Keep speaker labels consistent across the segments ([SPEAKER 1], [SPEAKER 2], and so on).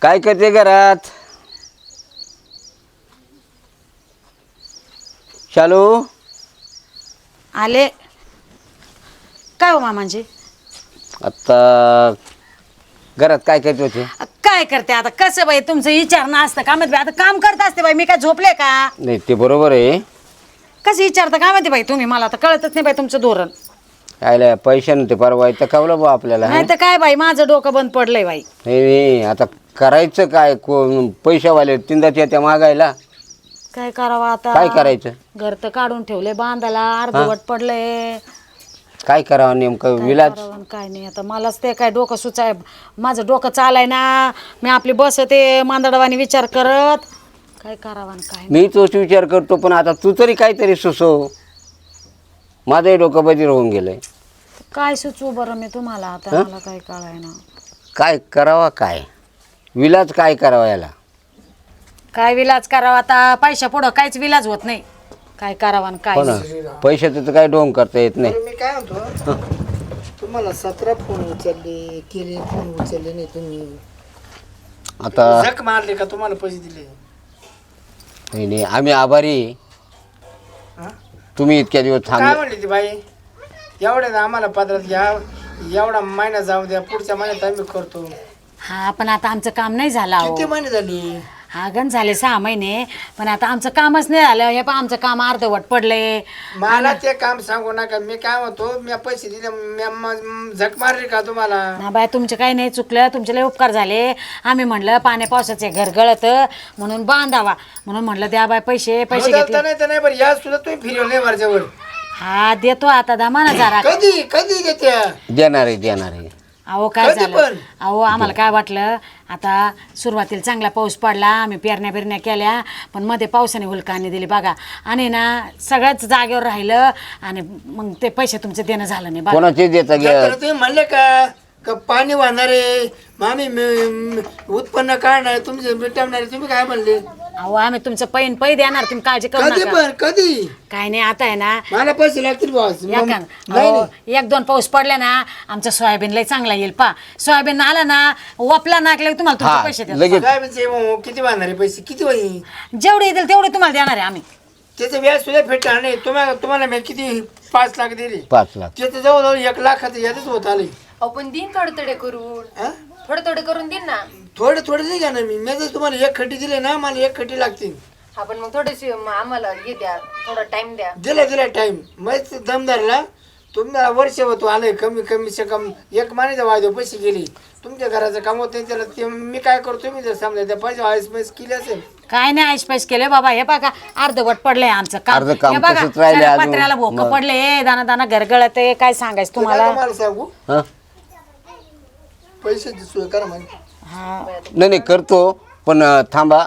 [SPEAKER 1] काय करते घरात? शालू
[SPEAKER 2] आले काय हो मामांजी?
[SPEAKER 1] आता घरात काय करते होते?
[SPEAKER 2] काय करते आता? कसं बाई तुमचं विचारणं असतं का माहिती? आता काम करत असते बाई, मी काय झोपले का?
[SPEAKER 1] नाही ते बरोबर आहे.
[SPEAKER 2] कसं विचारता काय माहिती बाई तुम्ही? मला तर कळतच नाही बाई तुमचं धोरण.
[SPEAKER 1] आयला पैसे नव्हते परवा तर कवलं बा आपल्याला.
[SPEAKER 2] नाही तर काय बाई, माझं डोकं बंद पडलंय बाई.
[SPEAKER 1] नाही आता करायचं काय? पैशावाले तीनदा त्या मागायला
[SPEAKER 2] काय करावं आता?
[SPEAKER 1] काय करायचं?
[SPEAKER 2] घर तर काढून ठेवले बांधायला, अर्धवट पडलंय.
[SPEAKER 1] काय करावं नेमकं?
[SPEAKER 2] काय
[SPEAKER 1] विलाज
[SPEAKER 2] करावं आणि काय नाही आता मलाच ते काय डोकं सुचाय. माझं डोकं चालाय ना. मी आपली बसते मांदडवानी विचार करत. काय करावं आणि काय नाही.
[SPEAKER 1] मी तोच विचार करतो, पण आता तू तरी काहीतरी सुचव. माझंही डोकं बधीर होऊन गेलंय.
[SPEAKER 2] काय सुचवू बरं मी तुम्हाला आता? मला काय कळाय ना.
[SPEAKER 1] काय करावा? काय विलाज काय करावा याला?
[SPEAKER 2] काय विलाज करावा आता? पैशा पुढं काहीच विलाज होत नाही. काय करावं आणि काय
[SPEAKER 1] हो ना,
[SPEAKER 2] नाही.
[SPEAKER 1] पैशाचं तर काय ढोंग करता येत नाही.
[SPEAKER 3] मी काय म्हणतो, तुम्हाला 17 फोन उचलले केले, फोन उचलले नाही तुम्ही.
[SPEAKER 1] आता
[SPEAKER 3] झक मारले का तुम्हाला पैसे दिले?
[SPEAKER 1] नाही नाही, आम्ही आभारी आहे.
[SPEAKER 3] हा?
[SPEAKER 1] तुम्ही इतक्या दिवस
[SPEAKER 3] काय
[SPEAKER 1] थांबले.
[SPEAKER 3] म्हणली ती बाई? एवढ्या आम्हाला पदरात घ्या, एवढा महिना जाऊ द्या, पुढच्या महिन्यात आम्ही करतो.
[SPEAKER 2] हा पण आता आमचं काम नाही झालं अहो.
[SPEAKER 3] किती महिने झाली?
[SPEAKER 2] हा गण झाले 6 महिने, पण आता आमचं कामच नाही झालं. हे पण आमचं काम अर्धवट पडले.
[SPEAKER 3] मला ते काम सांगू नका. मी काय म्हणतो, मी पैसे दिले, झक मारली का तुम्हाला?
[SPEAKER 2] ना बाय तुमचं काही नाही चुकलं, तुमचे लय उपकार झाले. आम्ही म्हणलं पाण्या पावसाचे घर गळत म्हणून बांधावा, म्हणून म्हणलं द्या बाय पैसे घेतले.
[SPEAKER 3] नाही तर नाही, बरं या सुद्धा तुम्ही फिरवले वरच्यावर.
[SPEAKER 2] हा देतो आता दामाना जरा.
[SPEAKER 3] कधी कधी देत्या?
[SPEAKER 1] देणार आहे.
[SPEAKER 2] अहो काय
[SPEAKER 3] कधी
[SPEAKER 2] झालं
[SPEAKER 3] पण?
[SPEAKER 2] अहो आम्हाला काय वाटलं, आता सुरुवातीला चांगला पाऊस पडला, आम्ही पेरण्या केल्या, पण मध्ये पावसाने हुलकाने दिली बघा, आणि ना सगळ्याच जागेवर राहिलं, आणि मग ते पैसे तुमचे देणं झालं नाही बघा.
[SPEAKER 1] कोणाचे देता घ्या.
[SPEAKER 3] तर तुम्ही म्हणले का का पाणी वाहणारे मामी उत्पन्न काढणार तुमचे मिटवणारे, तुम्ही काय म्हणले?
[SPEAKER 2] अहो आम्ही तुमचं पै देणार, तुम्ही काळजी करू
[SPEAKER 3] कधी
[SPEAKER 2] नका.
[SPEAKER 3] पण कधी?
[SPEAKER 2] काय नाही आता आहे ना,
[SPEAKER 3] मला पैसे लागतील बॉस.
[SPEAKER 2] एक दोन पाऊस पडला ना, आमचं सोयाबीन लय चांगला येईल. पा सोयाबीन आला ना, वापला नाकले तुम्हाला तुमचे
[SPEAKER 1] हा,
[SPEAKER 2] पैसे देतो.
[SPEAKER 1] लगेच.
[SPEAKER 3] काय म्हणजे किती वाहणारे पैसे? किती होईल?
[SPEAKER 2] जेवढे येतील तेवढे तुम्हाला देणार आहे आम्ही.
[SPEAKER 3] त्याचं व्याज सुद्धा भेटणार नाही. तुम्हाला मी किती 5 लाख दिले,
[SPEAKER 1] 5 लाख.
[SPEAKER 3] त्याचं जवळजवळ 1 लाखाचं यादच होत आले.
[SPEAKER 4] आपण दिन थोडे करून
[SPEAKER 3] हा?
[SPEAKER 4] थोडे करून देईन ना.
[SPEAKER 3] थोडे नाही घेणार मी जर तुम्हाला 1 खड्डी दिले ना, मला 1 खड्डी लागतील.
[SPEAKER 4] आपण मग थोडेसे आम्हाला हे द्या, थोडा टाइम द्या.
[SPEAKER 3] दिला टाइम. मग दमदारला तुम्हाला वर्ष होतो आलंय, कमी 1 महिन्याचा वायदे पैसे गेले. तुमच्या घराचं काम होत नाही, त्याला ते मी काय करतो, मी जर समजा त्या पैसे आईस केले असेल.
[SPEAKER 2] काय नाही आईश केले बाबा. हे बघा अर्धवट पडलंय आमचं काम.
[SPEAKER 1] अर्ध काम
[SPEAKER 2] हे बघा
[SPEAKER 1] तसंच राहिलंय
[SPEAKER 2] सगळ्या
[SPEAKER 1] अजून.
[SPEAKER 2] पत्र्याला भोक
[SPEAKER 1] मग.
[SPEAKER 2] पडले, दाना गरगळत आहे. काय सांगायचं तुम्हाला?
[SPEAKER 3] मला सांगू,
[SPEAKER 1] हा?
[SPEAKER 3] पैशाची सोय करा म्हणजे.
[SPEAKER 2] हा.
[SPEAKER 1] नाही करतो, पण थांबा,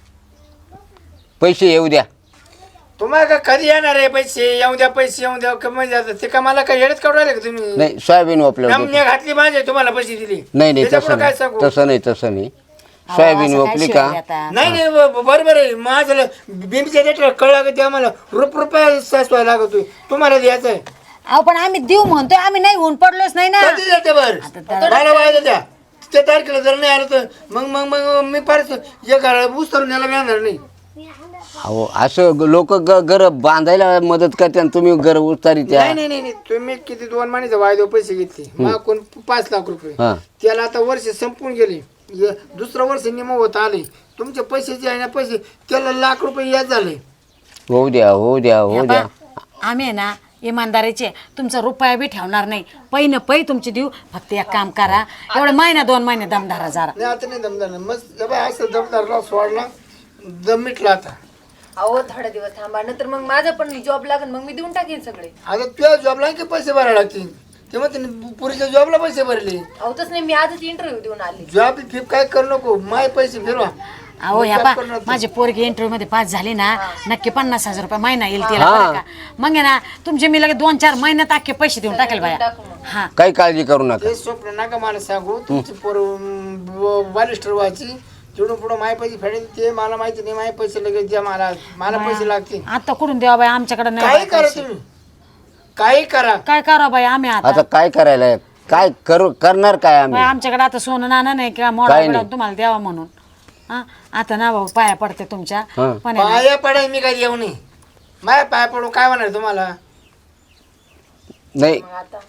[SPEAKER 1] पैसे येऊ द्या.
[SPEAKER 3] तुम्हाला का कधी येणार आहे पैसे? येऊ द्या कमी जातात ते का? मला काय येडच काढून राहिले का तुम्ही?
[SPEAKER 1] नाही सोयाबीन वापरलं.
[SPEAKER 3] नामने घातली माझे, तुम्हाला पैसे दिले.
[SPEAKER 1] नाही
[SPEAKER 3] त्याच्यापुढं काय सांगू?
[SPEAKER 1] तसं नाही. सोयाबीन
[SPEAKER 2] असं काय
[SPEAKER 1] वापरली का?
[SPEAKER 2] शिवाय आता?
[SPEAKER 3] नाही बरोबर आहे. माझं बिंबीच्या रेट कळलं का ते आम्हाला रुपये सासवाय लागतो. तुम्हाला द्यायचं आहे.
[SPEAKER 2] अहो पण आम्ही देऊ म्हणतोय, आम्ही नाही होऊन पडलोच नाही ना.
[SPEAKER 3] कधी देते बरं? मला वायदा द्या. त्या तारखेला जर नाही आलं तर मग मी परत उचलून यायला मिळणार नाही.
[SPEAKER 1] अहो असं लोक घर बांधायला मदत करते आणि तुम्ही घर उतारी त्या.
[SPEAKER 3] नाही तुम्ही किती 2 महिन्याचा वायदे पैसे घेतले मग कोण 5 लाख रुपये.
[SPEAKER 1] हा.
[SPEAKER 3] त्याला आता वर्ष संपून गेले, दुसरं वर्ष निम होत आले. तुमचे पैसे जे आहे ना पैसे, त्याला लाख रुपये याद झाले.
[SPEAKER 1] होऊ द्या.
[SPEAKER 2] आम्ही आहे ना इमानदारीचे, तुमचा रुपया बी ठेवणार नाही. पै तुमची देऊ. फक्त एक काम करा, एवढे महिना 2 महिने दमधारा जरा.
[SPEAKER 3] नाही आता नाही दमदार. मग असं दमदारला सोडला, दम मिटला. आता
[SPEAKER 4] अहो थोडा दिवस थांबा, नंतर मग माझं पण जॉब लागेल, मग मी देऊन टाकेन सगळे.
[SPEAKER 3] आता तुझ्या जॉबला की पैसे भरायला लागतील. तेव्हा त्यांनी पुरीच्या जॉबला पैसे भरले.
[SPEAKER 4] अहो तसं नाही, मी आजच इंटरव्ह्यू देऊन आली.
[SPEAKER 3] जॉब फिप काय करू नको, माय पैसे फिरवा.
[SPEAKER 2] अहो ह्या पा माझी पोरगी इंटरव्ह्यू मध्ये पास झाली ना, नक्की 50,000 रुपये महिना येईल तिला बरं का. मग आहे ना तुमचे मी लगे 2-4 महिन्यात अख्खे पैसे देऊन टाकेल बाया. हा
[SPEAKER 1] काही काळजी करू नका.
[SPEAKER 3] ते स्वप्न नका मला सांगू. तुमची पोर बालिस्टर व्हायची, तिकडून पुढं माय पैसे फेडेल ते मला माहिती नाही. माय पैसे लगेच द्या, मला पैसे लागतील.
[SPEAKER 2] आता कुठून द्यावा बाई, आमच्याकडे
[SPEAKER 3] काही
[SPEAKER 2] नाही.
[SPEAKER 3] करा तुम्ही, काही करा.
[SPEAKER 2] काय करा बाई आम्ही आता?
[SPEAKER 1] आता काय करायला काय करणार काय आम्ही
[SPEAKER 2] बाई, आमच्याकडे आता सोनं नाणं नाही किंवा
[SPEAKER 1] काय
[SPEAKER 2] मोडा
[SPEAKER 1] नाही.
[SPEAKER 2] तुम्हाला द्यावा म्हणून. हा आता ना भाऊ पाया पडते तुमच्या
[SPEAKER 1] हा.
[SPEAKER 2] पण आहे ना,
[SPEAKER 3] पाया पडाय मी काय येऊ नये माझ्या पाया पडून काय म्हणणार तुम्हाला
[SPEAKER 1] नाही
[SPEAKER 4] मग आता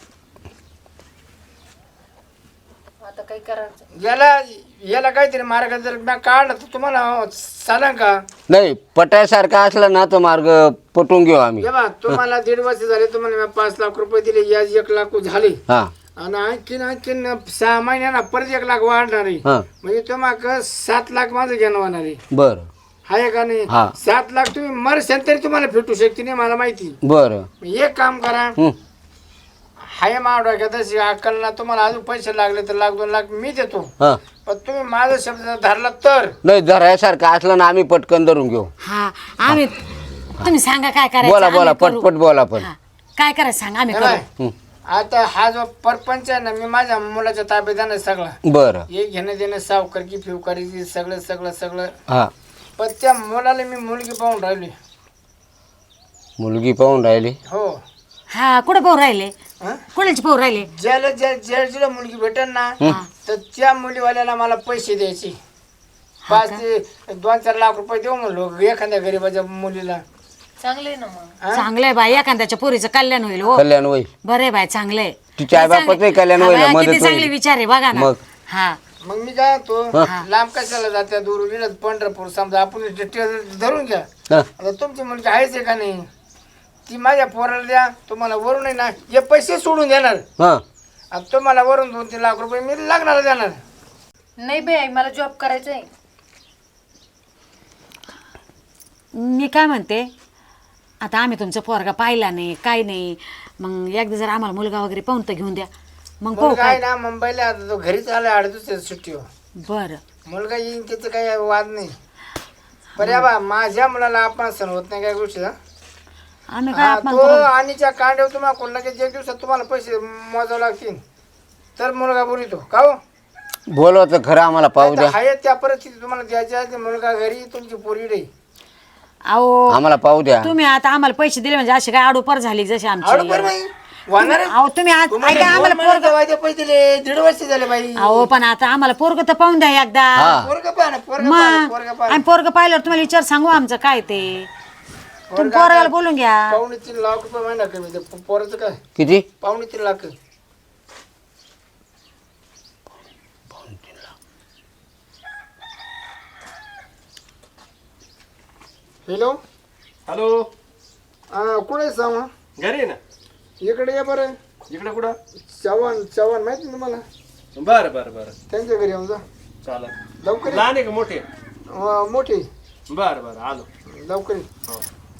[SPEAKER 4] आता काही करायचं.
[SPEAKER 3] याला काहीतरी मार्ग जर मी काढला तर तुम्हाला चालेल का
[SPEAKER 1] नाही पटायसारखा असला ना तो मार्ग पटवून घेऊ आम्ही
[SPEAKER 3] हे बा तुम्हाला 1.5 वर्ष झाले तुम्हाला मी 5 लाख रुपये दिले याच 1 लाख झाले
[SPEAKER 1] हा
[SPEAKER 3] आणि आणखीन 6 महिन्याना परत 1 लाख वाढणार आहे
[SPEAKER 1] हा
[SPEAKER 3] म्हणजे तुम्हाला 7 लाख माझं घेणं होणार आहे
[SPEAKER 1] बरं
[SPEAKER 3] आहे का नाही
[SPEAKER 1] हा.
[SPEAKER 3] 7 लाख तुम्ही मरशाल तरी तुम्हाला भेटू शकते नाही मला माहिती
[SPEAKER 1] बरं
[SPEAKER 3] एक काम करा
[SPEAKER 1] हं.
[SPEAKER 3] हाय मावडा का तशी अक्कलना तुम्हाला अजून पैसे लागले तर 1-2 लाख मी देतो
[SPEAKER 1] हा
[SPEAKER 3] पण तुम्ही माझा शब्द धरला तर
[SPEAKER 1] नाही धरायसारखं असलं ना आम्ही पटकन धरून घेऊ
[SPEAKER 2] हा आम्ही तुम्ही सांगा काय करायचं
[SPEAKER 1] बोला
[SPEAKER 2] आम्ही
[SPEAKER 1] बोला
[SPEAKER 2] करू.
[SPEAKER 1] पटपट बोला पण
[SPEAKER 2] हा, काय करायचं सांगा आम्ही
[SPEAKER 3] हे
[SPEAKER 2] करू.
[SPEAKER 3] बाय,
[SPEAKER 1] हं.
[SPEAKER 3] आता हा जो परपंच आहे ना मी माझ्या मुलाच्या ताब्यात आहे सगळा
[SPEAKER 1] बरं
[SPEAKER 3] हे घेणं देणं सावकारकी फिवकारीची सगळं सगळं सगळं
[SPEAKER 1] हा
[SPEAKER 3] पण त्या मुलाला मी मुलगी पाहून राहिली
[SPEAKER 1] मुलगी पाहून राहिली
[SPEAKER 3] हो
[SPEAKER 2] हा कुठे भाऊ राहिले
[SPEAKER 3] हं?
[SPEAKER 2] कुणाचे भाऊ राहिले
[SPEAKER 3] ज्याला मुलगी भेटेल ना तर त्या मुलीवाल्याला मला पैसे द्यायचे 5 ते 2-4 लाख रुपये देऊ म्हणलो एखाद्या गरीबाच्या मुलीला
[SPEAKER 4] चांगले ना मग.
[SPEAKER 2] चांगलंय बाई एखाद्याच्या पोरीचं कल्याण होईल हो
[SPEAKER 1] कल्याण होईल
[SPEAKER 2] बरे बाय चांगलंय
[SPEAKER 1] तिच्या आईबापाचंही कल्याण होईल, मदत
[SPEAKER 2] किती चांगले
[SPEAKER 1] होईल.
[SPEAKER 2] विचार आहे बघा ना
[SPEAKER 1] मग.
[SPEAKER 2] हा
[SPEAKER 3] मग मी काय तो लांब कशाला जात्या दूर विनत पंढरपूर समजा आपण धरून घ्या
[SPEAKER 1] हा
[SPEAKER 3] आता तुमची मुलगी आहेच आहे का नाही ती माझ्या पोराला द्या तुम्हाला वरून आहे ना हे पैसे सोडून देणार
[SPEAKER 1] हा
[SPEAKER 3] आता तुम्हाला वरून 2-3 लाख रुपये मी लागणार देणार
[SPEAKER 4] नाही बाई मला जॉब करायचा आहे.
[SPEAKER 2] मी काय म्हणते आता आम्ही तुमचा पोरगा पाहिला नाही काय नाही मग एकदा जर आम्हाला मुलगा वगैरे पाहून तर घेऊन द्या मग पाहू
[SPEAKER 3] मुलगा आहे
[SPEAKER 2] काय
[SPEAKER 3] ना मुंबईला आता तो घरीच आला 8 दिवसाच्या सुट्टीवर
[SPEAKER 2] बरं
[SPEAKER 3] मुलगा येईन त्याचं काही वाद नाही पण या बा माझ्या मुलाला आपण सण होत नाही काय गोष्टी
[SPEAKER 2] आम्ही काय अपमान
[SPEAKER 3] तो
[SPEAKER 2] करू?
[SPEAKER 3] आणीच्या कांड्यावर तुम्हाला कोण लगेच 1 दिवसात तुम्हाला पैसे मोजावे लागतील तर मुलगा बोलितो का हो
[SPEAKER 1] बोलवा तर खरं आम्हाला पाहू द्या
[SPEAKER 3] आहे त्या परिस्थिती तुम्हाला द्यायची आहे मुलगा घरी तुमची पोरी रे
[SPEAKER 2] अहो
[SPEAKER 1] आम्हाला पाहू द्या
[SPEAKER 2] तुम्ही आता आम्हाला पैसे दिले म्हणजे अशी काय आडोपर झाली जशी आमची
[SPEAKER 3] वाहणार
[SPEAKER 2] अहो तुम्ही आज ऐका आम्हाला पोरग
[SPEAKER 3] पैसे दिले 1.5 वर्ष झाले बाई
[SPEAKER 2] अहो पण आता आम्हाला पोरग तर पाहून द्या एकदा
[SPEAKER 1] हा
[SPEAKER 3] पोरगा पाहा ना पोरगा
[SPEAKER 2] मग
[SPEAKER 3] पाहा
[SPEAKER 2] आम्ही पोरग पाहिल्यावर तुम्हाला विचार सांगू आमचं काय ते तुम्ही पोराला बोलून घ्या
[SPEAKER 3] 2.5-3 लाख रुपये महिना कमी ते पोराचं काय
[SPEAKER 1] किती
[SPEAKER 3] 2.5-3 लाख हॅलो
[SPEAKER 5] हॅलो
[SPEAKER 3] कुठे सांग
[SPEAKER 5] घरी आहे ना
[SPEAKER 3] इकडे या बरं
[SPEAKER 5] इकडे कुठं
[SPEAKER 3] चव्हाण माहिती ना तुम्हाला
[SPEAKER 5] बरं बरं बरं
[SPEAKER 3] त्यांच्या घरी येऊन जा
[SPEAKER 5] चालत
[SPEAKER 3] लवकर ये.
[SPEAKER 5] लहान आहे का मोठे
[SPEAKER 3] मोठी
[SPEAKER 5] बरं बरं आलो
[SPEAKER 3] लवकर ये.
[SPEAKER 5] हो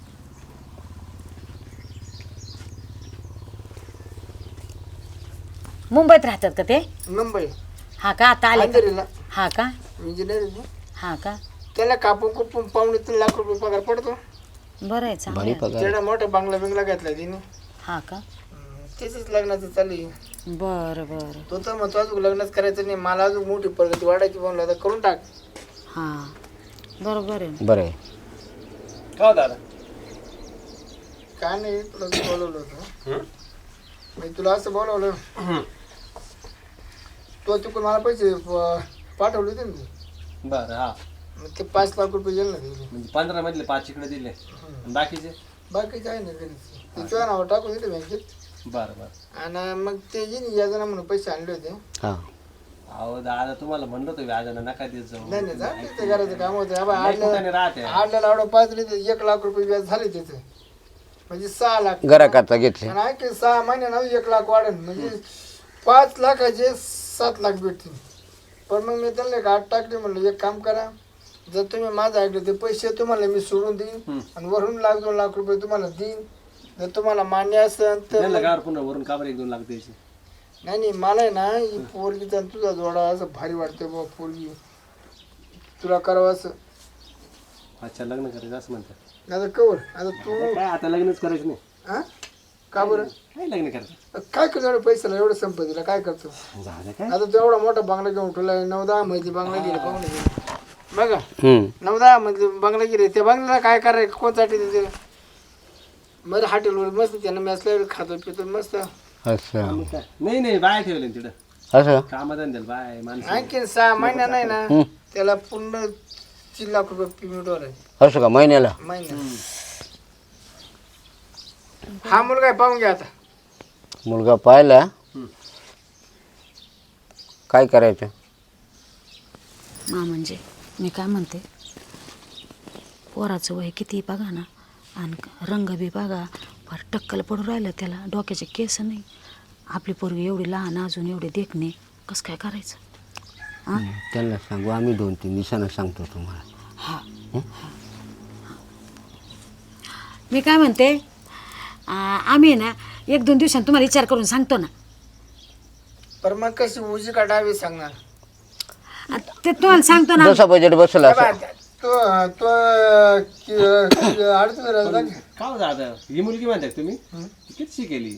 [SPEAKER 2] मुंबईत राहतात का ते
[SPEAKER 3] मुंबई
[SPEAKER 2] हा का आता आले का?
[SPEAKER 3] अंधेरीला
[SPEAKER 2] हा का
[SPEAKER 3] इंजिनियर
[SPEAKER 2] हा का
[SPEAKER 3] त्याला कापून कुपून 2.5-3 लाख रुपये पगार पडतो
[SPEAKER 2] बरं आहे चांगलं
[SPEAKER 1] भारी
[SPEAKER 2] आहे.
[SPEAKER 1] पगार
[SPEAKER 3] तेवढा मोठा बंगला घेतला तिने
[SPEAKER 2] हा का
[SPEAKER 3] त्याच लग्नाचं चालू आहे.
[SPEAKER 2] बरं बरं
[SPEAKER 3] तो तर म्हणतो अजून लग्नच करायचं नाही मला अजून मोठी प्रगती वाढायची म्हणलं तर करून टाक
[SPEAKER 2] हा बरोबर आहे
[SPEAKER 1] बरं आहे
[SPEAKER 5] का हो दादा
[SPEAKER 3] काय नाही तुला असं बोलवलं होतं मी तुला असं बोलवलं तो तिकडून मला पैसे पाठवले होते ना तू.
[SPEAKER 5] बरं हा
[SPEAKER 3] मग ते 5 लाख रुपये गेले ना तिथे.
[SPEAKER 5] म्हणजे 15 मधले 5 इकडे दिले आणि बाकीचे
[SPEAKER 3] बाकीचे आहे ना घरीच ते तुझ्या नावावर टाकून दिले बँकेत
[SPEAKER 5] बरं बरं
[SPEAKER 3] आणि मग ते येईन याजना म्हणून पैसे आणले होते
[SPEAKER 1] हा
[SPEAKER 5] अहो दादा तुम्हाला म्हणलं होतं व्याजानं नका देत जाऊ
[SPEAKER 3] नाही नाही जा ते घराचं काम होतं आबा
[SPEAKER 5] नाही कुठं
[SPEAKER 3] आडल्या
[SPEAKER 5] राहते
[SPEAKER 3] आडल्याला आवडं 5 तर 1 लाख रुपये व्याज झाले त्याचे म्हणजे 6 लाख
[SPEAKER 1] घराकरता घेतले
[SPEAKER 3] आणि आणखी 6 महिन्यानं 1 लाख वाढेल म्हणजे 5 लाखाचे 7 लाख भेटतील पण मग मी त्यांना एक आठ टाकली म्हणलं एक काम करा जर तुम्ही माझं ऐकलं ते पैसे तुम्हाला मी सोडून देईन आणि वरून 1-2 लाख रुपये तुम्हाला देईन जर तुम्हाला मान्य असेल तर
[SPEAKER 5] त्यांना गार पुन्हा वरून काबर 1-2 लाख द्यायचे
[SPEAKER 3] नाही नाही मला आहे ना ही पोरगीचा आणि तुझा जोडा असं भारी वाटतं बाबा पोरगी तुला करावं असं
[SPEAKER 5] अच्छा लग्न करायचं असं म्हणतात
[SPEAKER 3] आता कवर आता तू
[SPEAKER 5] काय आता लग्नच करायचं नाही
[SPEAKER 3] हा का बरं
[SPEAKER 5] काय लग्न करायचं
[SPEAKER 3] काय करतो एवढं पैशाला एवढं संपत्तीला काय करतो
[SPEAKER 5] झालं काय
[SPEAKER 3] आता तू एवढा मोठा बंगला घेऊन ठेवला 9-10 मध्ये बंगला गेला पाहून घे. बघा
[SPEAKER 1] हम्म
[SPEAKER 3] 9-10 मध्ये बंगला गेले त्या बंगल्याला काय करायचं कोणसाठी देते मग हॉटेलवर मस्त त्यानं मॅचला खातो पितो मस्त
[SPEAKER 1] असं
[SPEAKER 5] मग काय नाही नाही बाय ठेवले तिकडं
[SPEAKER 1] असं
[SPEAKER 5] कामधंद्याला बाय माणसं
[SPEAKER 3] आणखीन 6 महिना नाही ना त्याला पूर्ण 3 लाख रुपये पेमेंटवर आहे
[SPEAKER 1] असं का महिन्याला
[SPEAKER 3] महिना. हा मुलगा आहे, पाहून घ्या आता.
[SPEAKER 1] मुलगा पाहिला काय करायचं
[SPEAKER 2] म्हणजे मी काय म्हणते, पोराचं वय किती बघा ना, आणि रंग बी बघा, फार टक्कल पडून राहिलं त्याला, डोक्याचे केस नाही. आपली पोरगी एवढी लहान अजून एवढे देखणे, कसं काय करायचं?
[SPEAKER 1] त्यांना सांगू आम्ही 2-3 दिवसानं सांगतो तुम्हाला.
[SPEAKER 2] हा मी काय म्हणते, आम्ही ना 1-2 दिवसांनी तुम्हाला विचार करून सांगतो ना.
[SPEAKER 3] पर मग कशी उजी काढावी सांगणार.
[SPEAKER 2] ते तुम्हाला सांगतो ना.
[SPEAKER 1] जसं बजेट बसलं असं
[SPEAKER 3] तो तो अडचण राहिला का?
[SPEAKER 5] का हो दादा ही मुलगी म्हणताय तुम्ही किती शिकेली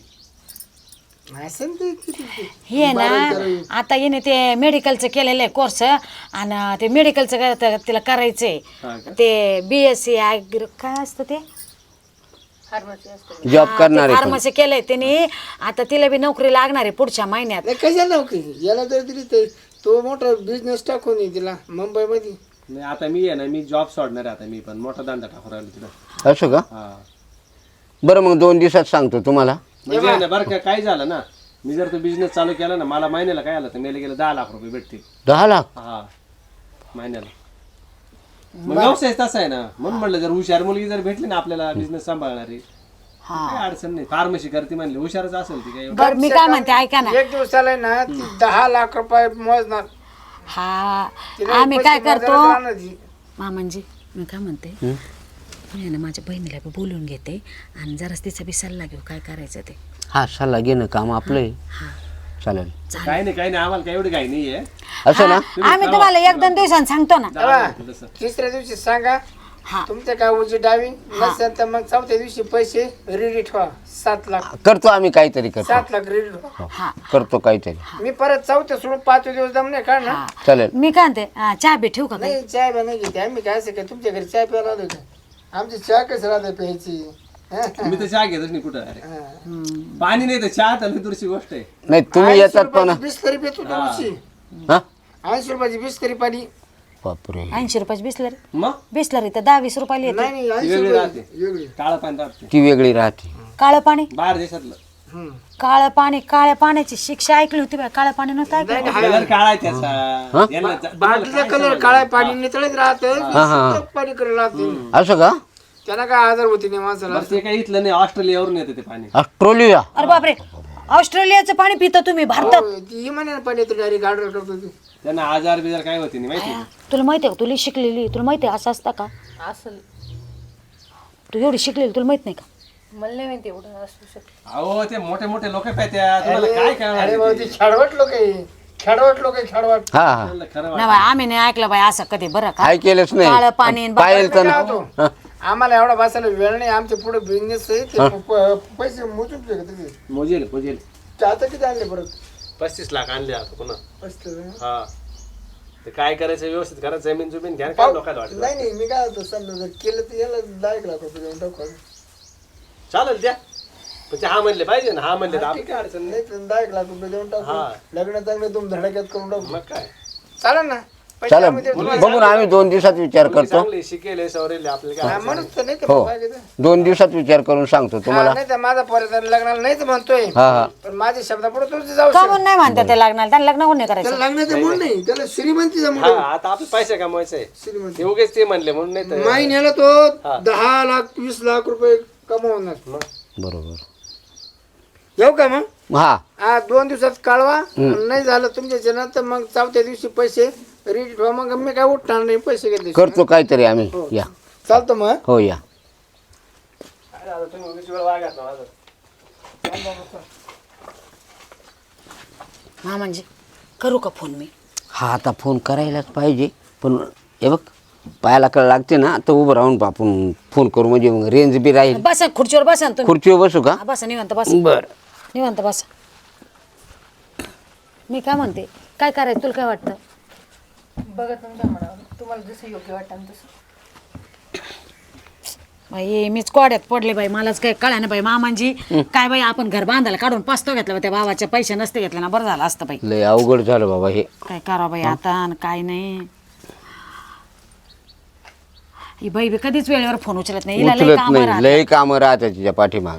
[SPEAKER 3] असेल ते किती
[SPEAKER 2] हे ना आता येणे ते मेडिकलचं केलेलं आहे कोर्स, आणि ते मेडिकलचं तिला करायचंय.
[SPEAKER 5] हा का?
[SPEAKER 2] ते BSc काय असतं ते
[SPEAKER 4] फार्मसी असते.
[SPEAKER 1] जॉब करणार आहे
[SPEAKER 2] फार्मसी केलंय त्याने. आता तिला बी नोकरी लागणार आहे पुढच्या महिन्यात.
[SPEAKER 3] नाही कशाला नोकरी याला जर दिली तर तो मोठा बिझनेस टाकून येईल तिला मुंबईमध्ये.
[SPEAKER 5] नाही आता मी आहे ना मी जॉब सोडणार आहे आता मी पण मोठा धंदा टाकून राहिलो तिथं
[SPEAKER 1] असं का
[SPEAKER 5] हा
[SPEAKER 1] बरं मग 2 दिवसात सांगतो तुम्हाला.
[SPEAKER 5] म्हणजे आहे ना बरं का काय झालं ना मी जर तो बिझनेस चालू केला ना मला महिन्याला काय आलं तर मला गेलं 10 लाख रुपये भेटतील
[SPEAKER 1] 10 लाख
[SPEAKER 5] हा महिन्याला. मग व्यवसाय तसा आहे ना म्हणून म्हटलं जर हुशार मुलगी जर भेटली ना आपल्याला बिझनेस सांभाळणारी काय अडचण नाही. फार्मसी करते म्हणली हुशारच असेल ती काय
[SPEAKER 2] बरं मी काय म्हणते ऐका ना.
[SPEAKER 3] एक दिवसाला आहे ना ती 10 लाख रुपये मोजणार.
[SPEAKER 2] हा
[SPEAKER 3] तिला
[SPEAKER 2] आम्ही
[SPEAKER 3] पैसे
[SPEAKER 2] काय करतो
[SPEAKER 3] मोजायला जाणार ती.
[SPEAKER 2] म्हणजे मी काय म्हणते, मी ना माझ्या बहिणीला बी बोलून घेते आणि जराच तिचा बी सल्ला घेऊ काय करायचं ते.
[SPEAKER 1] हा सल्ला घेणं काम आपलं आहे. चालेल
[SPEAKER 5] काही नाही आम्हाला काय एवढी काही नाहीये
[SPEAKER 1] असं ना.
[SPEAKER 2] आम्ही तुम्हाला 1-2 दिवसांनी सांगतो ना.
[SPEAKER 3] तेव्हा
[SPEAKER 5] तसं.
[SPEAKER 3] तिसऱ्या दिवशी सांगा
[SPEAKER 2] हा
[SPEAKER 3] तुमच्या काय उजी डावी नसेल तर मग 4थ्या दिवशी पैसे रेडी ठेवा. 7 लाख
[SPEAKER 1] करतो आम्ही काहीतरी करतो
[SPEAKER 3] 7 लाख रेडी ठेवा.
[SPEAKER 2] हा
[SPEAKER 1] करतो काहीतरी
[SPEAKER 3] मी परत 4थ्या सोडून 5 दिवस दम नाही काढणार.
[SPEAKER 1] चालेल.
[SPEAKER 2] मी काय म्हणते, चहा बी ठेवू का काही?
[SPEAKER 3] नाही चाय बी नाही घेते आम्ही. काय असं काय तुमच्या घरी चाय प्यायला आलो का? आमची चहा कसं राहते प्यायची.
[SPEAKER 5] मी तर चहा घेतच नाही कुठं अरे पाणी नाही तर चहा तर दुसरी गोष्ट आहे.
[SPEAKER 1] नाही तुम्ही येतात पण
[SPEAKER 3] बिस्लरी पितो तुमची.
[SPEAKER 1] हा
[SPEAKER 3] 80 रुपयाची बिस्लरी पाणी.
[SPEAKER 1] बापरे
[SPEAKER 2] 80 रुपयाची बिस्लरी.
[SPEAKER 5] मग
[SPEAKER 2] बिस्लरी तर 10-20 रुपयाला येते.
[SPEAKER 3] नाही नाही
[SPEAKER 5] ती
[SPEAKER 3] 80
[SPEAKER 5] वेगळी
[SPEAKER 3] रुपयाची
[SPEAKER 5] राहते
[SPEAKER 3] वेगळी.
[SPEAKER 5] काळं पाणी राहते
[SPEAKER 1] ती वेगळी राहते.
[SPEAKER 2] काळं पाणी,
[SPEAKER 5] बाहेर देशातलं
[SPEAKER 3] हम्म.
[SPEAKER 2] काळ्या पाण्याची शिक्षा ऐकली होती बा. काळं पाणी नव्हतं ऐकलं.
[SPEAKER 5] कलर काळा आहे त्याचा यांना
[SPEAKER 3] बाटलीचा कलर काळा पाणी नितळत राहतं. पाणी कलर राहते.
[SPEAKER 1] असं का
[SPEAKER 3] त्यांना काय आजार होती नाही माणसाला.
[SPEAKER 5] बरं ते काही इथलं नाही ऑस्ट्रेलियावरून येतं ते पाणी
[SPEAKER 1] ऑस्ट्रेलिया
[SPEAKER 2] अरे बापरे, ऑस्ट्रेलियाचं पाणी पिता तुम्ही भारतात?
[SPEAKER 3] हो, ती इमान्यानं पाणी येतं डायरेक्ट ऑर्डर करतो ती.
[SPEAKER 5] त्यांना आजार बिजार काय होते नाही माहिती आहे?
[SPEAKER 2] तुला माहिती आहे का, तुला शिकलेली, तुला माहिती आहे असं असतं का?
[SPEAKER 4] असल
[SPEAKER 2] तू एवढी शिकलेली तुला माहित नाही का?
[SPEAKER 4] मला नाही माहिती एवढं असू शकतं.
[SPEAKER 5] अहो ते मोठे मोठे लोक पाहत्या तुम्हाला काय करणार
[SPEAKER 3] अरे भाऊ ती खेडवट लोक आहे. खेडवट लोक आहे खेडवट.
[SPEAKER 1] हा हा
[SPEAKER 5] खरं
[SPEAKER 2] नाही बाई, आम्ही नाही ऐकलं बाई असं कधी. बरं का?
[SPEAKER 1] काय केलंच
[SPEAKER 2] काळं पाणी
[SPEAKER 1] नाही
[SPEAKER 2] आणि
[SPEAKER 1] पाहिलं तर
[SPEAKER 3] काय
[SPEAKER 1] ना.
[SPEAKER 3] होतो? आम्हाला एवढा बसायला वेळ नाही. आमचे पुढे बिझनेस आहे ते पैसे मोजून ठेवते.
[SPEAKER 5] मोजेल
[SPEAKER 3] आता किती आणले परत?
[SPEAKER 5] 35 लाख आणले आता पुन्हा
[SPEAKER 3] 35.
[SPEAKER 5] हा ते काय करायचं व्यवस्थित करायचं जमीन जुमीन घ्या काय लोकांना वाटत
[SPEAKER 3] नाही नाही मी काय होतो समजा जर केलं तर याला 10 लाख रुपये देऊन टाकू.
[SPEAKER 5] चालेल द्या पण ते हा म्हणले पाहिजे ना हा म्हणले तर आपली काय अडचण नाही
[SPEAKER 3] नाही तर 10 लाख रुपये देऊन टाकू.
[SPEAKER 5] हा.
[SPEAKER 3] लग्न चांगलं तुम धडाक्यात करून टाकू.
[SPEAKER 5] मग काय
[SPEAKER 3] चालेल ना. पैसे
[SPEAKER 1] चालेल
[SPEAKER 3] आम्ही देतो.
[SPEAKER 1] बघून आम्ही 2 दिवसात विचार
[SPEAKER 5] मुलगी
[SPEAKER 1] करतो.
[SPEAKER 5] चांगली शिकेले सवरेले आपल्याला काय
[SPEAKER 3] हा,
[SPEAKER 5] अडचण
[SPEAKER 3] म्हणून तर नाही तर
[SPEAKER 1] हो
[SPEAKER 3] मग काय घेतं?
[SPEAKER 1] 2 दिवसात विचार करून सांगतो तुम्हाला.
[SPEAKER 3] नाही तर माझा पोराचा लग्नाला नाहीच म्हणतोय.
[SPEAKER 1] हा हा
[SPEAKER 3] पण माझ्या शब्दापुढे तुझं जाऊ
[SPEAKER 2] का
[SPEAKER 3] शकत.
[SPEAKER 2] म्हणून नाही म्हणतात ते लग्नाला? त्यांना लग्न कोण नाही करायचं?
[SPEAKER 3] त्याला लग्नाचं मूड नाही. त्याला श्रीमंतीचा मूड
[SPEAKER 5] हा
[SPEAKER 3] आहे.
[SPEAKER 5] आता आपले पैसे कमवायचे आहे
[SPEAKER 3] श्रीमंती
[SPEAKER 5] ते उगेच ते म्हणले म्हणून नाही तर
[SPEAKER 3] महिन्याला तो 10 लाख 20 लाख रुपये कमवणार.
[SPEAKER 1] बरोबर
[SPEAKER 3] येऊ का मग?
[SPEAKER 1] हा
[SPEAKER 3] 2 दिवसात कळवा. नाही झालं तुमच्या नंतर मग 4थ्या दिवशी पैसे रेडी ठेवा. मग मी काय उठणार नाही. पैसे घेतले
[SPEAKER 1] करतो काहीतरी आम्ही या
[SPEAKER 3] चालतं मग.
[SPEAKER 1] हो या
[SPEAKER 5] काय झालं, तुम्ही उगीच वेळ वागायचा ना माझं.
[SPEAKER 2] हा म्हणजे करू का फोन मी?
[SPEAKER 1] हा आता फोन करायलाच पाहिजे पण हे बघ पायाला कळ लागते ना तर उभं राहून आपण फोन करू म्हणजे मग रेंज बी राहील.
[SPEAKER 2] बसा खुर्चीवर बसा ना तुम्ही.
[SPEAKER 1] खुर्चीवर बसू का?
[SPEAKER 2] हा, बसा निवांत बसा.
[SPEAKER 1] बर
[SPEAKER 2] निवांत बसा. मी काय म्हणते, काय करायचं तुला काय वाटतं?
[SPEAKER 4] बघा तुमच्या मनावर तुम्हाला जसं योग्य वाटतं तसं.
[SPEAKER 2] बाई मीच कोड्यात पडले बाई मलाच काही कळा ना बाई मामांजी काय बाई आपण घर बांधायला काढून पस्तो घेतला त्या भावाचे पैसे नसते घेतले ना बरं झालं असतं बाई
[SPEAKER 1] लय अवघड झालं बाबा हे.
[SPEAKER 2] काय करा बाई आता आणि काय नाही ही बाई बी कधीच वेळेवर फोन उचलत नाही हिला लई
[SPEAKER 1] उचलत
[SPEAKER 2] कामं
[SPEAKER 1] नाही,
[SPEAKER 2] राहतात.
[SPEAKER 1] लय कामं राहतात तिच्या पाठीमाग.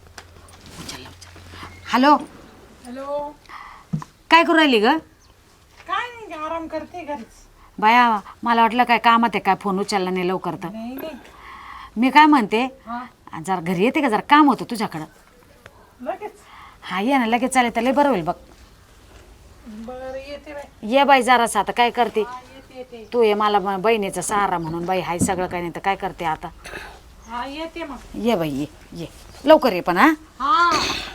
[SPEAKER 2] Hello
[SPEAKER 6] hello.
[SPEAKER 2] काय करू राहिली ग
[SPEAKER 6] काय नाही आराम करते घरीच.
[SPEAKER 2] बाया मला वाटलं काय कामात आहे काय फोन उचलला नाही लवकर तर
[SPEAKER 6] नाही नाही
[SPEAKER 2] मी काय म्हणते जरा घरी येते का जरा काम होतं तुझ्याकडं
[SPEAKER 6] लगेच.
[SPEAKER 2] हा ये ना लगेच चालेल तर लय बरं होईल बघ
[SPEAKER 6] बरं येते बाई.
[SPEAKER 2] ये बाई जरासं आता काय करते
[SPEAKER 6] येते येते.
[SPEAKER 2] तू ये मला बहिणीचा सहारा म्हणून बाई हाय सगळं काही नाही तर काय करते आता
[SPEAKER 6] हा येते मग.
[SPEAKER 2] ये बाई ये लवकर ये पण हा
[SPEAKER 6] हा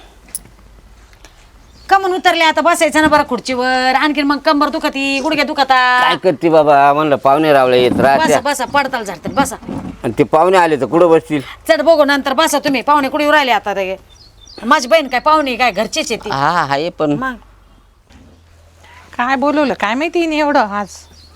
[SPEAKER 2] कमून उतरले आता बसायचं ना बरं खुर्चीवर आणखीन मग कंबर दुखती गुडघे दुखता
[SPEAKER 1] काय करते बाबा, म्हणलं पाहुणे रावले येत
[SPEAKER 2] बसा
[SPEAKER 1] राहत्या
[SPEAKER 2] बसा पडताल झाडतात बसा
[SPEAKER 1] आणि ते पाहुणे आले तर कुठं बसतील.
[SPEAKER 2] चढ बघू नंतर बसा तुम्ही पाहुणे कुठे राहिले आता ते माझी बहीण काय पाहुणे काय घरचीच येते
[SPEAKER 1] हा हाय पण
[SPEAKER 2] मग
[SPEAKER 6] काय बोलवलं काय माहिती हिने एवढं आज.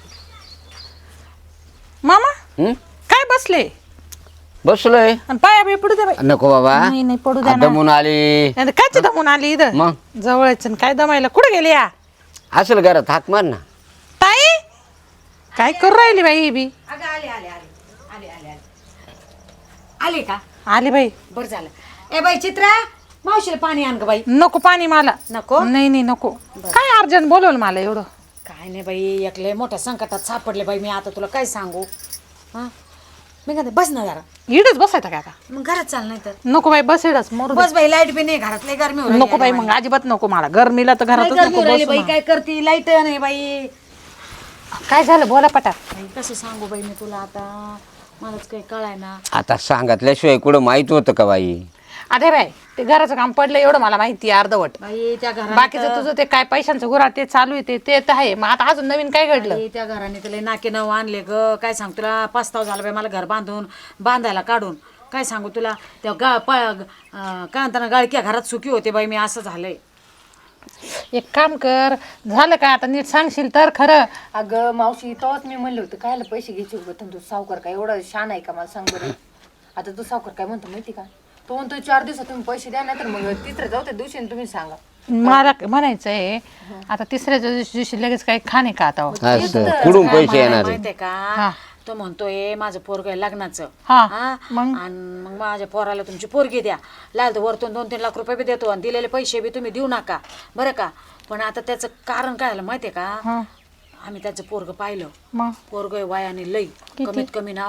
[SPEAKER 6] मामा
[SPEAKER 1] हं?
[SPEAKER 6] काय बसले
[SPEAKER 1] बसलोय.
[SPEAKER 6] आणि पाया बी पडू दे बाई.
[SPEAKER 1] नको बाबा,
[SPEAKER 6] नाही नाही पडू द्या ना.
[SPEAKER 1] दमून आली.
[SPEAKER 6] काय दमून आली इथं
[SPEAKER 1] मग
[SPEAKER 6] जवळच आणि काय दमायला कुठे गेली या
[SPEAKER 1] असेल घरात हाक मार ना.
[SPEAKER 6] ताई काय करू राहिली बाई ही बी.
[SPEAKER 2] अगं आले आले आले आले आले आले आले का
[SPEAKER 6] आली बाई.
[SPEAKER 2] बरं झालं ए बाई चित्रा मावशीला पाणी आण ग बाई
[SPEAKER 6] नको पाणी मला.
[SPEAKER 2] नको
[SPEAKER 6] नाही नाही नको. काय अर्जंट बोलवलं मला एवढं.
[SPEAKER 2] काय नाही बाई एकले मोठ्या संकटात सापडले बाई मी आता तुला काय सांगू हा मी काय बस ना जरा
[SPEAKER 6] इडच बसायचं काय आता.
[SPEAKER 2] मग घरात चाल नाही तर
[SPEAKER 6] नको बाई बस इडच मरू दे.
[SPEAKER 2] बस बाई लाईट बी नाही घरात लय गरमी होऊ राहिली.
[SPEAKER 6] नको बाई मग अजिबात नको मला गरमीला तर
[SPEAKER 2] लय
[SPEAKER 6] घरातच
[SPEAKER 2] गरमी
[SPEAKER 6] नको
[SPEAKER 2] होऊ राहिली
[SPEAKER 6] बसू
[SPEAKER 2] बाई
[SPEAKER 6] ना.
[SPEAKER 2] काय करती लाईट नाही बाई
[SPEAKER 6] काय झालं बोला पटा.
[SPEAKER 2] बाई, कसं सांगू बाई मी तुला आता मलाच काही कळाय ना
[SPEAKER 1] आता सांगितल्याशिवाय कुठं माहित होतं का बाई.
[SPEAKER 6] अरे बाई ते घराचं काम पडलं एवढं मला माहिती आहे अर्धवट.
[SPEAKER 2] बाई त्या घरात
[SPEAKER 6] बाकीचं तुझं ते काय पैशांचं गुरा ते चालू आहे ते तर आहे. मग आता अजून नवीन काय घडलं.
[SPEAKER 2] त्या घराने तुला नाके नऊ आणले ग काय सांग तुला पस्ताव झाला बाई मला घर बांधायला काढून काय सांगू तुला त्या काय म्हणताना गाळक्या घरात सुखी होते बाई मी असं झालंय.
[SPEAKER 6] एक काम कर झालं काय आता नीट सांगशील तर खरं.
[SPEAKER 4] अगं मावशी तेव्हाच मी म्हणलं होतं कायला पैसे घ्यायचे उगत तू सावकार काय एवढा शान आहे का मला सांग बरं. आता तू सावकार काय म्हणतो माहिती का तो म्हणतो 4 दिवसात तुम्ही पैसे द्या नाही तर मग तिसऱ्या चौथ्या दिवशी तुम्ही सांगा.
[SPEAKER 6] मला म्हणायचंय आता तिसऱ्या दिवशी लगेच काही खाणे का आता.
[SPEAKER 1] असं कुठून पैसे येणार आहे?
[SPEAKER 2] माहितीये का तो म्हणतोय माझं पोरग आहे लग्नाचं
[SPEAKER 6] हा,
[SPEAKER 2] हा?
[SPEAKER 6] मग?
[SPEAKER 2] आणि मग माझ्या पोराला तुमची पोरगी द्या लाल तर वरतून 2-3 लाख रुपये बी देतो आणि दिलेले पैसे बी तुम्ही देऊ नका बरं का. पण आता त्याचं कारण काय झालं माहितीये का आम्ही त्याचं पोरग पाहिलं
[SPEAKER 6] मग
[SPEAKER 2] पोरग वयाने लई कमीत कमी ना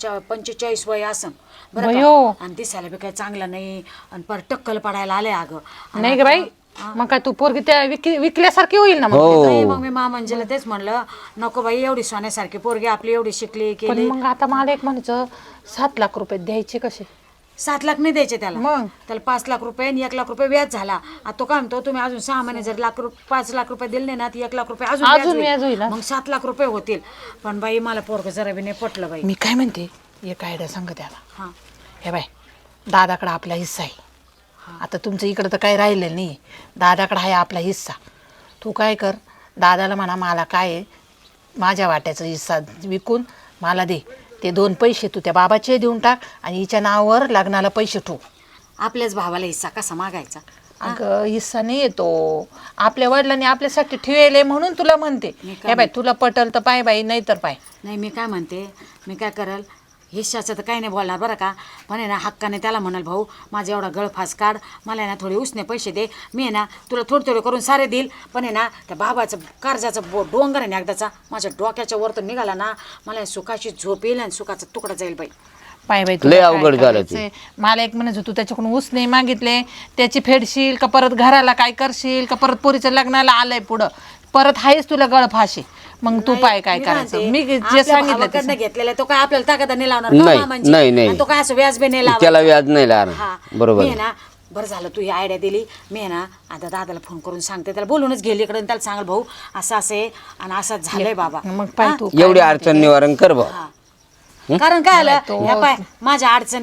[SPEAKER 2] 45 वय असं बरं
[SPEAKER 6] बयो.
[SPEAKER 2] का. आणि दिसायला बी काही चांगलं नाही आणि पर टक्कल पडायला आले अगं
[SPEAKER 6] नाही ग बाई मग काय तू पोरगी त्या विकल्यासारखी होईल ना मग.
[SPEAKER 2] नाही, मग मी मामांजीला तेच म्हणलं नको बाई एवढी सोन्यासारखी पोरगी आपली एवढी शिकली
[SPEAKER 6] पण
[SPEAKER 2] केली
[SPEAKER 6] मग आता मला एक म्हणायचं 7 लाख रुपये द्यायचे कसे.
[SPEAKER 2] 7 लाख नाही द्यायचे त्याला
[SPEAKER 6] मग?
[SPEAKER 2] त्याला 5 लाख रुपये आणि 1 लाख रुपये व्याज झाला. आता तो काय म्हणतो तुम्ही अजून 6 महिने जर 5 लाख रुपये दिले ना ती 1 लाख रुपये अजून
[SPEAKER 6] व्याज होईल ना?
[SPEAKER 2] मग 7 लाख रुपये होतील. पण बाई मला पोरग जरा बी नाही पटलं बाई.
[SPEAKER 6] मी काय म्हणते एक आयडिया सांग त्याला.
[SPEAKER 2] हा
[SPEAKER 6] हे बाय दादाकडे आपला हिस्सा आहे. आता तुमचं इकडं तर काही राहिलेलं नाही. दादाकडे आहे आपला हिस्सा. तू काय कर दादाला म्हणा मला काय आहे माझ्या वाट्याचा हिस्सा विकून मला दे. ते 2 पैसे तू त्या बाबाचे देऊन टाक आणि हिच्या नावावर लग्नाला पैसे ठेव.
[SPEAKER 2] आपल्याच भावाला हिस्सा कसा मागायचा.
[SPEAKER 6] अगं हिस्सा नाही येतो आपल्या वडिलांनी आपल्यासाठी ठेवले म्हणून तुला म्हणते. हे बाय तुला पटल तर पाय बाई नाही तर पाय.
[SPEAKER 2] नाही मी काय म्हणते मी काय करल हिश्शाचं तर काही नाही बोलणार बरं का. पण आहे ना हक्काने त्याला म्हणाल भाऊ माझा एवढा गळफास काढ मला आहे ना थोडे उसने पैसे दे मी आहे ना तुला थोडे करून सारे देईल. पण आहे ना त्या बाबाचं कर्जाचं डोंगर आहे ना एकदाचा माझ्या डोक्याच्या वरतून निघाला ना मला सुखाची झोप येईल आणि सुखाचा तुकडा जाईल बाई.
[SPEAKER 6] पाय बाई
[SPEAKER 1] लय अवघड झालं ते.
[SPEAKER 6] मला एक म्हणायचं तू त्याच्याकडून उसने मागितले त्याची फेडशील का परत घराला काय करशील का परत पोरीच्या लग्नाला आलंय पुढं परत आहेच तुला गळफाशी. मग तू पाय काय करायचं. मी जे सांगितलं
[SPEAKER 2] घेतलेला तो काय आपल्याला ताकद नाही लावणार
[SPEAKER 1] नाही,
[SPEAKER 2] का मामांची?
[SPEAKER 1] नाही, नाही.
[SPEAKER 2] आणि तो काय असं व्याज बी नाही लावणार.
[SPEAKER 1] त्याला व्याज नाही लागणार.
[SPEAKER 2] हा.
[SPEAKER 1] बरोबर
[SPEAKER 2] मी आहे ना बरं झालं तू ही आयडिया दिली. मी आहे ना आता दादाला फोन करून सांगते त्याला बोलूनच गेली इकडे त्याला सांगाल भाऊ असं आहे आणि असं झालंय बाबा.
[SPEAKER 6] मग पाय तू
[SPEAKER 1] एवढी अडचण निवारण कर बा.
[SPEAKER 2] कारण काय आलं ह्या पाय माझ्या अडचणीत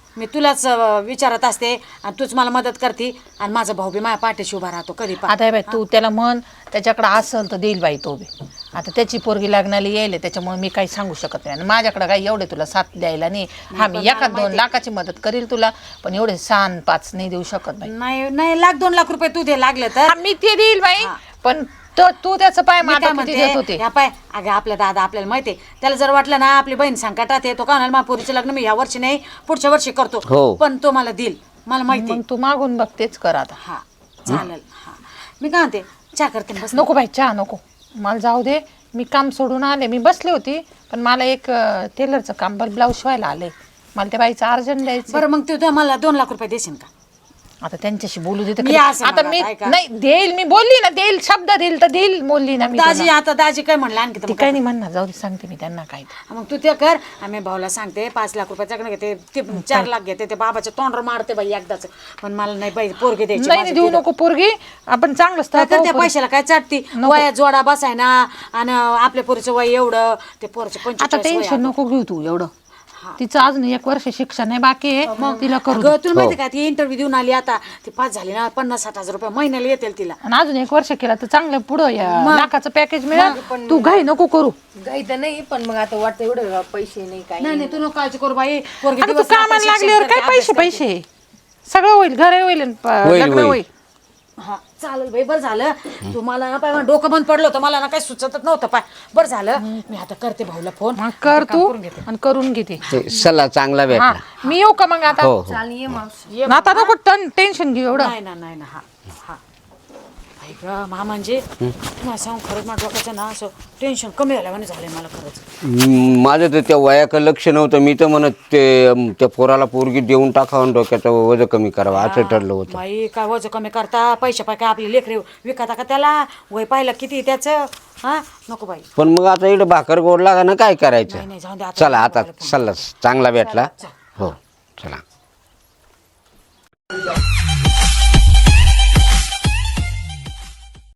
[SPEAKER 2] मी तुलाच विचारत असते आणि तूच मला मदत करते आणि माझा भाऊ बी माझ्या पाठीशी उभा राहतो कधी पण.
[SPEAKER 6] आता हे बाई तू त्याला म्हण त्याच्याकडे असेल तर देईल बाई तो बी. आता त्याची पोरगी लग्नाला येईल त्याच्यामुळे मी काही सांगू शकत नाही आणि माझ्याकडे काही एवढे तुला साथ द्यायला नाही. हा मी 1-2 लाखाची मदत करील तुला पण एवढे 6-5 नाही देऊ शकत बाई.
[SPEAKER 2] नाही नाही 1-2 लाख रुपये तू दे लागले तर.
[SPEAKER 6] हा, मी ते देईल बाई पण तू त्याचं पाय
[SPEAKER 2] मी काय
[SPEAKER 6] माझा किती देत होते.
[SPEAKER 2] म्हणते, या पाय अगं आपला दादा आपल्याला माहिती आहे त्याला जर वाटलं ना आपली बहीण संकटात आहे तो का म्हणाल पोरीचं लग्न मी या वर्षी नाही पुढच्या वर्षी करतो
[SPEAKER 1] हो.
[SPEAKER 2] पण तो मला देईल मला माहिती आहे.
[SPEAKER 6] मग तू मागून बघ तेच कर आता.
[SPEAKER 2] हा चालेल. हा मी काय म्हणते चहा करते ना, बस.
[SPEAKER 6] नको बाई चहा नको मला जाऊ दे. मी काम सोडून आले मी बसली होती पण मला एक टेलरचं काम ब्लाऊज शिवायला आले मला त्या बाईचं अर्जंट द्यायचं.
[SPEAKER 2] बरं मग तू मला 2 लाख रुपये देशील का?
[SPEAKER 6] आता त्यांच्याशी बोलू देते
[SPEAKER 2] मी
[SPEAKER 6] का?
[SPEAKER 2] असं
[SPEAKER 6] आता
[SPEAKER 2] म्हणत
[SPEAKER 6] मी
[SPEAKER 2] आहे का?
[SPEAKER 6] नाही देईल मी बोलली ना देईल शब्द देईल तर देईल बोलली ना मी
[SPEAKER 2] दाजी
[SPEAKER 6] त्याला.
[SPEAKER 2] आता दाजी काय म्हणलं आणखी तर
[SPEAKER 6] ती
[SPEAKER 2] मग
[SPEAKER 6] काही नाही म्हणणार जाऊ दे सांगते मी त्यांना काय ते.
[SPEAKER 2] मग तू ते कर आम्ही भाऊला सांगते 5 लाख रुपयाच्याकडे घेते ते 4 लाख घेते ते बाबाच्या तोंडवर मारते बाई एकदाच पण मला नाही बाई पोरगी द्यायची
[SPEAKER 6] नाही
[SPEAKER 2] माझं
[SPEAKER 6] देऊ
[SPEAKER 2] दिलं.
[SPEAKER 6] नको पोरगी आपण चांगलं स्थळ
[SPEAKER 2] काय
[SPEAKER 6] पाहू
[SPEAKER 2] करते
[SPEAKER 6] पोरगी.
[SPEAKER 2] पैशाला काय चाटती वया जोडा बसाय ना आणि आपल्या पोरीचं वय एवढं ते पोरचं
[SPEAKER 6] आता
[SPEAKER 2] 45 वय
[SPEAKER 6] टेन्शन नको घेऊ तू एवढं तिचं अजून 1 वर्ष शिक्षण आहे बाकी आहे तिला करू दे.
[SPEAKER 2] अगं तुला माहिती का ती इंटरव्ह्यू देऊन आली आता ती पास झाली ना 50-60 हजार रुपये महिन्याला येतील तिला.
[SPEAKER 6] आणि अजून 1 वर्ष केला तर चांगलं पुढं लाखाचं पॅकेज मिळेल तू घाई नको करू.
[SPEAKER 4] काही तर नाही पण मग आता वाटतं एवढं पैसे नाही काय
[SPEAKER 2] नाही नाही तू नको काळजी करू बाई पोरगी
[SPEAKER 6] आता तू
[SPEAKER 2] दिवस रात्र
[SPEAKER 6] कामाला
[SPEAKER 2] शिक्षण
[SPEAKER 6] लागल्यावर
[SPEAKER 2] करते,
[SPEAKER 6] काय पैसे
[SPEAKER 2] अभ्यास करते.
[SPEAKER 6] पैसे सगळं होईल घर होईल आणि लग्न
[SPEAKER 1] होईल.
[SPEAKER 6] होईल.
[SPEAKER 2] हा चालेल बाई बरं झालं तू मला ना पाय डोकं बंद पडलं होतं मला ना काही सुचतच नव्हतं पाय बरं झालं मी आता करते भाऊला फोन
[SPEAKER 6] मग कर तू आणि करून घेते.
[SPEAKER 1] ते सल्ला चांगला
[SPEAKER 6] हा
[SPEAKER 1] भेटला.
[SPEAKER 6] मी येऊ का मग आता
[SPEAKER 1] हो हो
[SPEAKER 4] चाल ये मावशी
[SPEAKER 6] आता नको टेन्शन घेऊ एवढं.
[SPEAKER 2] नाही ना नाही ना हा हा ऐक मा म्हणजे तुम्हाला सांगू खरंच माझ्या डोक्याचं ना असं टेन्शन कमी झाल्यावाने झालंय मला खरंच.
[SPEAKER 1] माझं तर त्या वयाकडे लक्ष नव्हतं मी तर म्हणत त्या पोराला पोरगी देऊन टाकावं डोक्याचं वजन कमी करावं असं ठरलं होतं.
[SPEAKER 2] बाई काय वजन कमी करता पैसे पाय काय आपले लेकरे विकता का त्याला वय पाहिलं किती त्याचं हा नको बाई.
[SPEAKER 1] पण मग आता इकडे भाकर गोड लागा ना काय
[SPEAKER 2] नाही,
[SPEAKER 1] करायचं.
[SPEAKER 2] नाही, जाऊ दे आता.
[SPEAKER 1] चला आता सल्ला चांगला भेटला. हो चला.